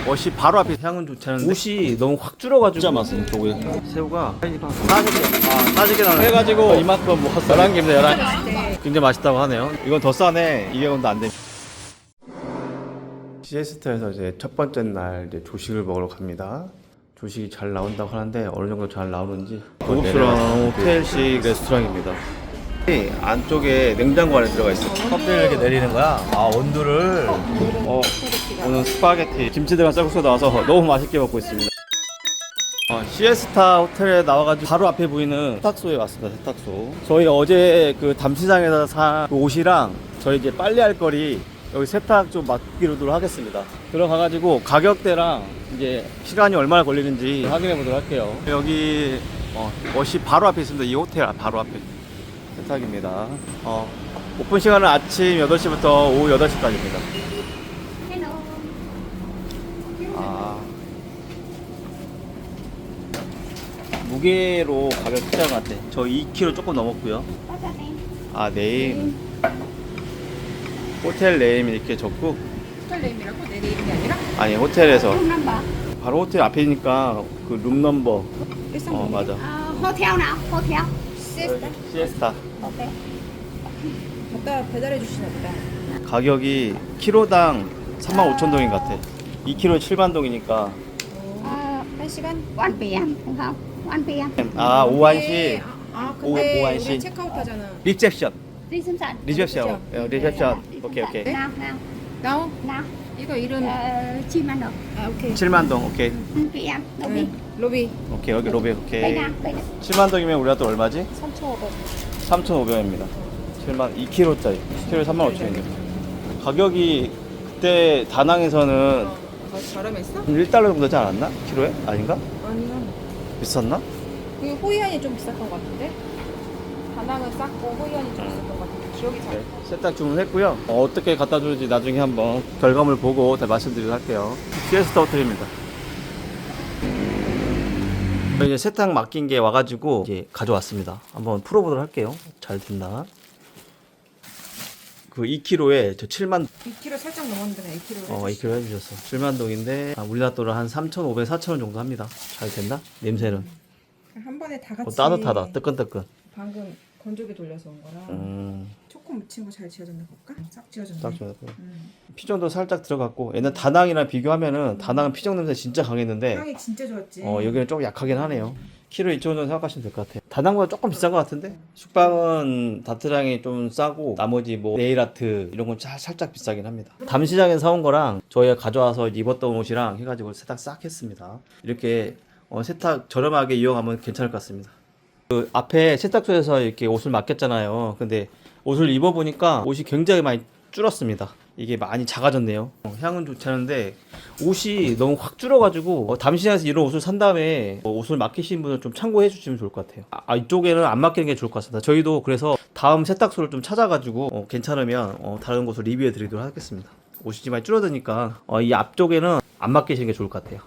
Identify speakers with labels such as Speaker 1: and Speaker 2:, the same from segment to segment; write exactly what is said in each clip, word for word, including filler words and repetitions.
Speaker 1: 옷이 바로 앞에 향은 좋지 않은데 옷이 너무 확 줄어가지고 진짜 맛있어. 저거에 새우가 싸지게 아 싸지게 나는 해가지고 이만큼 먹었어. 열한 개입니다. 열한 개. 굉장히 맛있다고 하네요. 이건 더 싸네. 이백 원도 안 돼. 시에스타에서 이제 첫 번째 날 이제 조식을 먹으러 갑니다. 조식이 잘 나온다고 하는데 어느 정도 잘 나오는지 고급스러운 호텔식 레스토랑입니다. 안쪽에 냉장고 안에 들어가 있어. 컵들을 이렇게 내리는 거야. 아 온도를. 어 오늘 스파게티 김치 들어간 쌀국수가 나와서 너무 맛있게 먹고 있습니다. 어, 시에스타 호텔에 나와가지고 바로 앞에 보이는 세탁소에 왔습니다. 세탁소. 저희 어제 그 담시장에서 산 그 옷이랑 저희 이제 빨래할 거리 여기 세탁 좀 맡기로 하겠습니다. 들어가가지고 가격대랑 이제 시간이 얼마나 걸리는지 확인해 보도록 할게요. 여기 어, 옷이 바로 앞에 있습니다. 이 호텔 바로 앞에 세탁입니다. 어, 오픈 시간은 아침 여덟 시부터 오후 여덟 시까지입니다. 아, 무게로 가격 특정 같아. 저 이 킬로그램 조금 넘었고요. 아, 네임. 호텔 네임 이렇게 적고.
Speaker 2: 호텔 네임이라고? 내 네임이 아니라?
Speaker 1: 아니, 호텔에서. 바로 호텔 앞이니까 그 룸 넘버. 어, 맞아.
Speaker 3: À, hotel nào? Hotel.
Speaker 1: 시에스타.
Speaker 3: Ok.
Speaker 2: 갖다 배달해 주시나 보다.
Speaker 1: 가격이 킬로당 삼만 오천 동인 것 같아. 이 킬로그램 칠만 동이니까.
Speaker 3: À,
Speaker 2: 한 시간?
Speaker 3: one p m đúng không? one p m.
Speaker 1: 아, 오후 한 시.
Speaker 2: 아
Speaker 1: 오후
Speaker 2: 근데
Speaker 1: 한 시.
Speaker 2: 우리 체크아웃 하잖아.
Speaker 1: 리셉션.
Speaker 3: Reception.
Speaker 1: 리셉션. 어, 리셉션. 오케이, 오케이.
Speaker 3: Nào, nào,
Speaker 2: 나오?
Speaker 3: nào.
Speaker 2: 이거 이름.
Speaker 3: Ờ, chim ăn được.
Speaker 2: 아 오케이.
Speaker 1: 칠만 동. 오케이.
Speaker 3: one p m. Đúng đi.
Speaker 2: 응, 로비.
Speaker 1: 오케이. 여기 로비.
Speaker 3: Đây
Speaker 1: 오케이.
Speaker 3: nào, đây nào.
Speaker 1: 칠만 동이면 우리가 또 얼마지?
Speaker 2: 삼천오백.
Speaker 1: 삼천오백 원입니다. 칠만 이 킬로그램짜리. 이 킬로그램 삼만 오천 원이요. 가격이 그때 다낭에서는
Speaker 2: 아, 저렴했어?
Speaker 1: 일 달러 정도 되지 않았나? 키로에? 아닌가?
Speaker 2: 아니요.
Speaker 1: 비쌌나?
Speaker 2: 그 호이안이 좀 비쌌던 것 같은데. 다낭은 쌌고 호이안이 좀 비쌌던 것 같은데 기억이 잘.
Speaker 1: 네, 세탁 주문했고요. 어, 어떻게 갖다 줄지 나중에 한번 결과물 보고 다 말씀드리도록 할게요. 시에스타 호텔입니다. 이제 세탁 맡긴 게 와가지고 이제 가져왔습니다. 한번 풀어보도록 할게요. 잘 됐나? 그 이 킬로그램에 저 칠만
Speaker 2: 이 킬로그램 살짝 넘었는데 이 킬로그램.
Speaker 1: 어 이 킬로그램 해주셨어. 칠만 동인데 아, 우리나라 돈으로 한 삼천오백, 사천 원 정도 합니다. 잘 됐나? 냄새는
Speaker 2: 한 번에 다 같이.
Speaker 1: 어, 따뜻하다. 뜨끈뜨끈.
Speaker 2: 방금 건조기 돌려서 온 거라.
Speaker 1: 음,
Speaker 2: 초코 묻힌 거 잘 지어졌나 볼까? 싹 지어졌네.
Speaker 1: 딱 좋았고.
Speaker 2: 음.
Speaker 1: 피정도 살짝 들어갔고 얘는 다낭이랑 비교하면은 다낭은 피정 냄새 진짜 강했는데
Speaker 2: 향이 진짜 좋았지.
Speaker 1: 어 여기는 좀 약하긴 하네요. 키로 이천 원 정도 생각하시면 될 것 같아요. 다낭보다 조금 비싼 것 같은데 숙박은 다트랑이 좀 싸고 나머지 뭐 네일아트 이런 건 사- 살짝 비싸긴 합니다. 담시장에서 사온 거랑 저희가 가져와서 입었던 옷이랑 해가지고 세탁 싹 했습니다. 이렇게 어, 세탁 저렴하게 이용하면 괜찮을 것 같습니다. 그 앞에 세탁소에서 이렇게 옷을 맡겼잖아요. 근데 옷을 입어보니까 옷이 굉장히 많이 줄었습니다. 이게 많이 작아졌네요. 어, 향은 좋지 않은데 옷이 너무 확 줄어가지고 어, 담시장에서 이런 옷을 산 다음에 어, 옷을 맡기신 분은 좀 참고해 주시면 좋을 것 같아요. 아, 이쪽에는 안 맡기는 게 좋을 것 같습니다. 저희도 그래서 다음 세탁소를 좀 찾아가지고 어, 괜찮으면 어, 다른 곳을 리뷰해 드리도록 하겠습니다. 옷이 많이 줄어드니까 어, 이 앞쪽에는 안 맡기시는 게 좋을 것 같아요.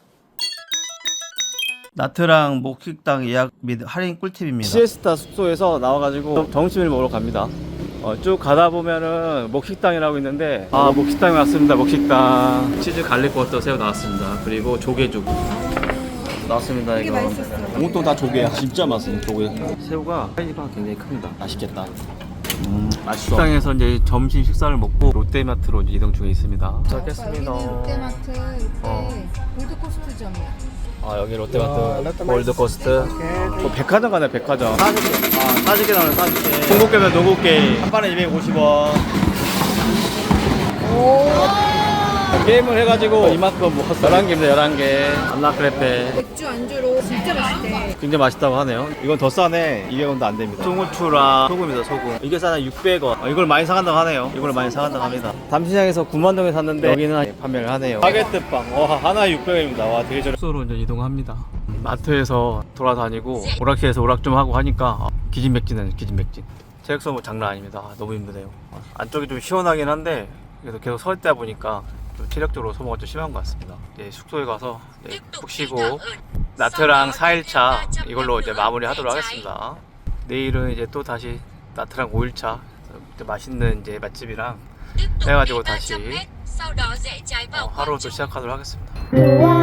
Speaker 1: 나트랑 목식당 예약 및 할인 꿀팁입니다. 시에스타 숙소에서 나와가지고 점심을 먹으러 갑니다. 어, 쭉 가다 보면은 목식당이라고 있는데 아 목식당에 왔습니다. 목식당 치즈 갈릭 버터 새우 나왔습니다. 그리고 조개죽 나왔습니다.
Speaker 2: 되게
Speaker 1: 이거
Speaker 2: 맛있었어.
Speaker 1: 온통 다 조개야. 진짜 맛있어 조개. 새우가 사이즈가 굉장히 큽니다. 맛있겠다. 음, 맛있어. 식당에서 이제 점심 식사를 먹고 롯데마트로 이제 이동 중에 있습니다. 도착했습니다.
Speaker 2: 여기는 롯데마트 이때
Speaker 1: 어.
Speaker 2: 골드코스트점이야.
Speaker 1: 아 여기 롯데마트 골드코스트 뭐 백화점 가네. 백화점 사십 개. 아 사십 개 나오네. 사십 개. 동국게면 동국게 한 판에 이백오십 원. 게임을 해가지고 이만큼 먹었어. 열한 개입니다. 열한 개. 안나크레페
Speaker 2: 맥주 안주로 진짜 맛있대.
Speaker 1: 굉장히 맛있다고 하네요. 이건 더 싸네. 이백 원도 안 됩니다. 송후추랑 소금이다. 소금. 이게 싸네. 육백 원. 어, 이걸 많이 사간다고 하네요. 이걸 많이 사간다고 합니다. 담시장에서 구만 동에 샀는데 여기는 판매를 하네요. 바게트빵. 와 하나에 육백 원입니다. 와 되게 저렴. 숙소로 이제 이동합니다. 마트에서 돌아다니고 오락실에서 오락 좀 하고 하니까 기진맥진하네. 기진맥진. 체력소 뭐 장난 아닙니다. 아, 너무 힘드네요. 안쪽이 좀 시원하긴 한데 그래도 계속 서 있다 보니까 좀 체력적으로 소모가 좀 심한 것 같습니다. 이제 숙소에 가서 이제 푹 쉬고 나트랑 사 일차 이걸로 이제 마무리 하도록 하겠습니다. 내일은 이제 또 다시 나트랑 오 일차 맛있는 이제 맛집이랑 해가지고 다시
Speaker 4: sau đó rẽ trái vào
Speaker 1: 어, 하루를 또 시작하도록 하겠습니다.
Speaker 3: Wow.